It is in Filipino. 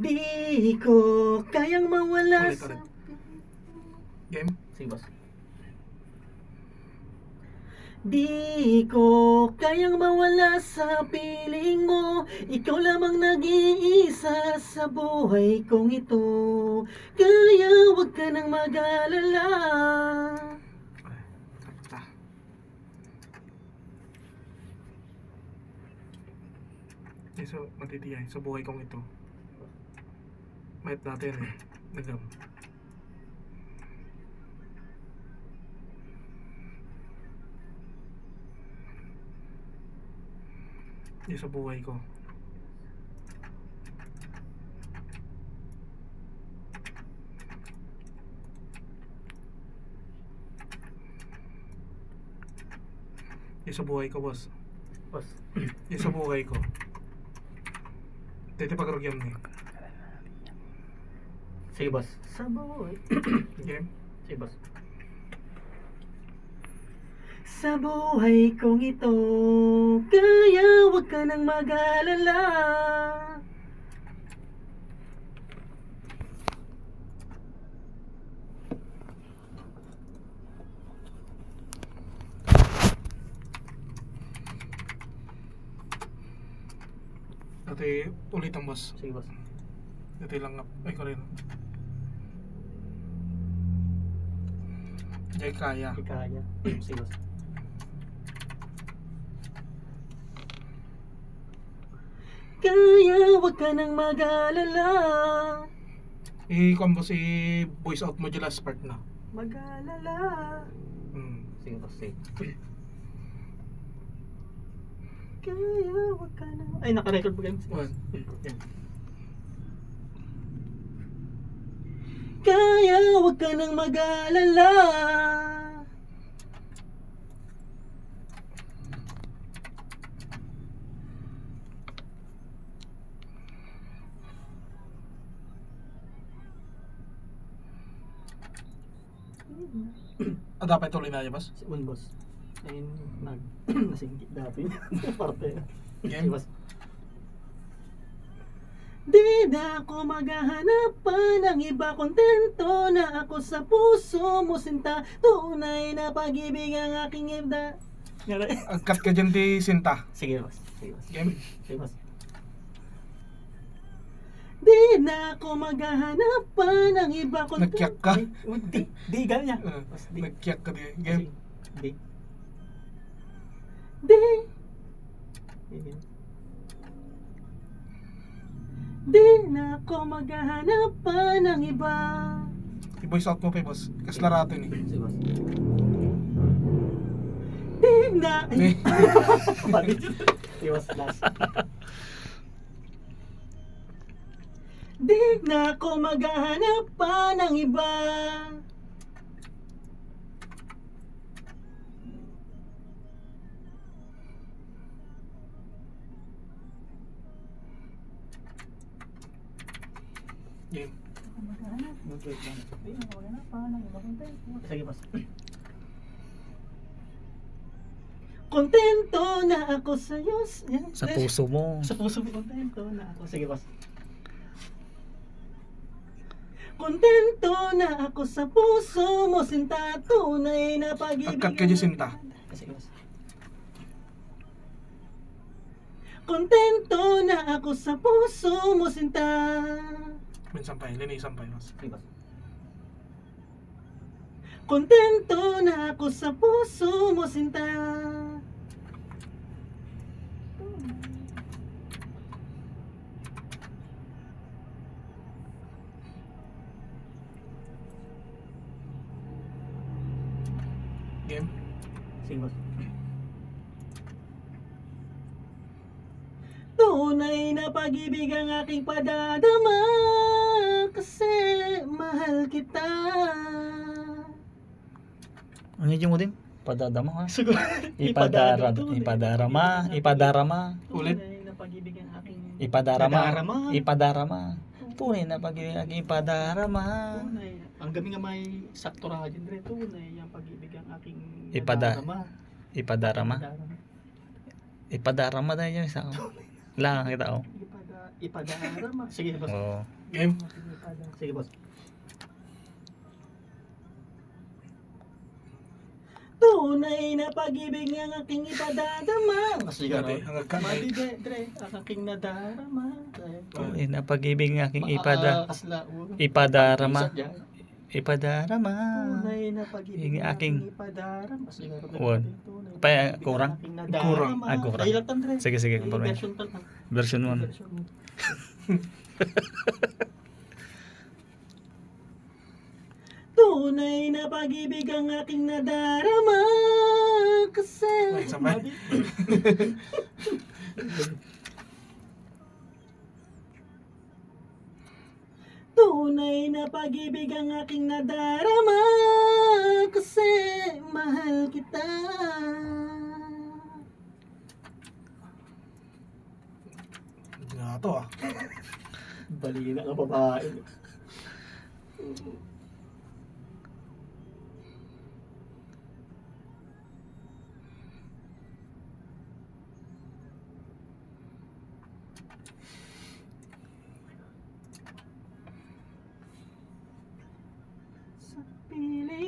Di ko kayang mawala Ulit, sa... ulit. Game? Sige, boss. Di ko kayang mawala sa piling mo. Ikaw lamang nag-iisa sa buhay kong ito. Kaya wag ka nang mag-alala. Tapos. So, matitiyay sa buhay kong ito. Might natin eh. Nagam. Sa buhay ko. Sa buhay ko, boss. Boss. Sa buhay ko. Dito pag-rugyam ni. Sige, boss. Sa buhay. Game? Sige, boss. Sa buhay kong ito, kaya wag ka nang mag-alala. Dati ulit ang boss. Sige, boss. Dati lang nga. Ay, ko rin. Jay kaya. Kaya. Sige, boss. Kaya wag ka nang mag-alala. I-combo si voice out mo dyan last part na. Mag-alala. Sige, boss. Sige. Kaya wag ka nang... Ay, naka-record pa kayo. One. Yan. Kaya wag ka nang mag-alala. Dapat tuloy na yun, boss. Si Un, boss. Ayun, nasinggit dati. Parte. Game? Boss. Di na ako maghahanap pa ng iba. Kontento na ako sa puso mo, sinta. Tunay na pag-ibig ang aking ibda. Cut ka dyan di Sinta. Sige, boss. Sige, boss. Game? Sige, boss. Di na ako maghahanap pa ng iba. Nagkiyak ka? Ay, di ganyan. Boss, di. Nagkiyak ka di. Game? Di. Di. Di na ako maghahanap pa ng iba. I-voice out mo pa, boss. Kaslarato yun eh. Sige, boss. Di na. Di. Sige, boss. Last. Di na ako maghahanap pa ng iba. Game? Sige, boss. Kontento na ako sa'yo. Yan. Sa puso mo. Sa puso mo, kontento na ako. Sige, boss. Kontento na ako sa puso mo, sinta. Tunay na pag-ibig. Cut ka dyan Sinta. Sige, boss. Kontento na ako sa puso mo, sinta. Sampay. Sampay, boss. Sige, boss. Kontento na ako sa puso mo, sinta. Game? Sige, boss. Tunay na pag-ibig ang aking padadama, kasi mahal kita. Ano yung mo din? Padadama ha? Siguro. Ipadarama. Ulit. Tunay na pag-ibig ang aking Ipadarama. Tunay na pag-ibig ang ipadarama. Tunay. Ang gabi nga may sakto ra dyan rin. Tunay ang pag-ibig ang aking Ipadarama. Ipadarama na yun sa ako. Lang kita ako. ipadarama. Sige, boss. Oo. Game. Sige, boss. Tunay na pag-ibig ang aking ipadadama. Sige, Dati, hanggang ka. Madi Dre, ang aking nadarama. Tunay na pag-ibig ng aking Kasla, ipadarama. Ipadarama. Tunay na pag-ibig Yung ang aking aking ipadarama. Sige, Uwan. Pa, kurang? Kurang. Ah, kurang. Dahilatan, Dre. Sige, sige. Yung Kumpulan. version pa lang. Version 1. Version mo. Tunay na pag-ibig ang aking nadarama kasi Ay, sabay. tunay na pag-ibig ang aking nadarama kasi mahal kita. Hindi na to ah. Balina ka babae. Sa piling